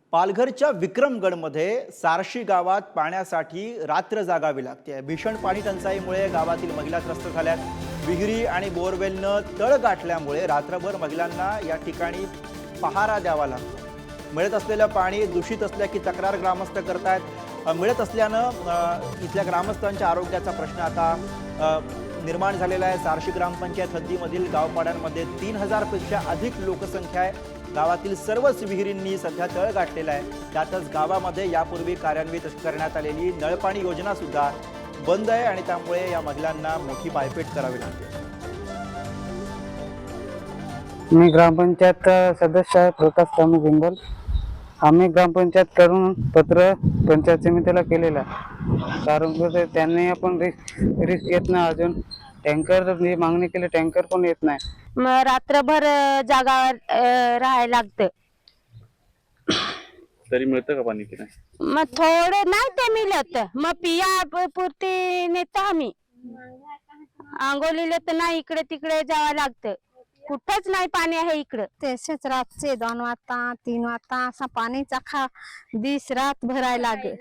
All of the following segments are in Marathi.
पालघरच्या विक्रमगडमध्ये सारशी गावात पाण्यासाठी रात्र जागावी लागते। भीषण पाणी टंचाईमुळे गावातील महिला त्रस्त झाल्यात। विहिरी आणि बोरवेलनं तळ गाठल्यामुळे रात्रभर महिलांना या ठिकाणी पहारा द्यावा लागतो। मिळत असलेलं पाणी दूषित असल्याची तक्रार ग्रामस्थ करतायत। मिळत असल्यानं इथल्या ग्रामस्थांच्या आरोग्याचा प्रश्न आता निर्माण झालेला आहे। सारशी ग्रामपंचायत हद्दीमधील गावपाड्यांमध्ये 3000 पेक्षा अधिक लोकसंख्या आहे। गावातील सर्वच विहिरींनी सध्या तळ गाठलेला आहे। त्यातच गावामध्ये यापूर्वी कार्यान्वित करण्यात आलेली नळपाणी योजना सुद्धा बंद आहे आणि त्यामुळे या महिलांना मोठी पायपीट करावी लागते। मी ग्रामपंचायत सदस्य आहे प्रकाश स्वामी जिंबल। आम्ही ग्रामपंचायत कडून पत्र पंचायत समितीला केलेलं आहे, कारण त्यांनी आपण रिस्क घेत नाही। अजून टँकर मागणी केली, टँकर पण येत नाही। मग रात्रभर जागावर राहायला लागतं। तरी मिळतं का पाणी की नाही? मग थोडं नाही ते मिळत, मग पिया पुरती नेतो आम्ही। आंघोळीला तर नाही, इकडे तिकडे जावं लागतं। कुठंच नाही पाणी आहे इकडं। तसेच रातचे 2 वाजता 3 वाजता असा पाणीचा खा दिस रात भरायला लागे।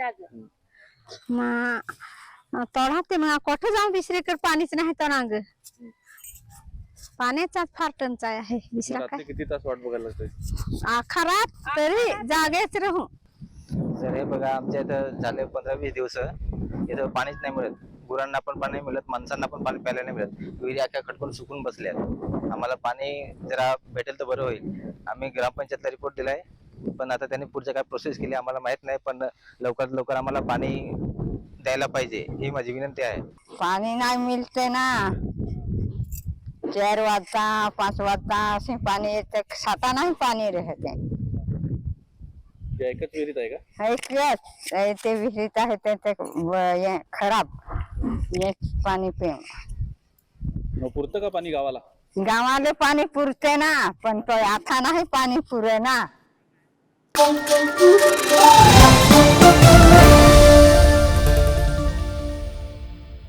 मग तोडा ते मग कोठे जाऊन दुसरीकडे पाणीच नाही तर नांग पाण्याचा फार टंचाई आहे। दुसरा काय किती तास वाट बघायला लागते? आखा रात तरी जागेच राहू। सर हे बघा, आमच्या इथं झाले 15-20 दिवस इथं पाणीच नाही मिळत। गुरांना पण पाणी मिळत, माणसांना पण पाणी प्यायला नाही मिळत। विहिरी अख्या खटकून सुकून बसल्यात। आम्हाला पाणी जरा भेटेल तर बरं होईल। आम्ही ग्रामपंचायतला रिपोर्ट दिलाय, पण आता त्यांनी पुढच्या काय प्रोसेस केली आम्हाला माहित नाही। पण लवकरात लवकर आम्हाला पाणी द्यायला पाहिजे ही माझी विनंती आहे। पाणी नाही मिळते ना, 4 वाजता 5 वाजता असे पाणी येते, साता नाही पाणी राहते। एकच विहिरीत आहे का? ऐकलंच ते विहिरीत आहे ते खराब पाणी पे। मग पुरतं का पाणी गावाला? गावाला पाणी पुरते ना, पण तो आता नाही पाणी पुरे ना।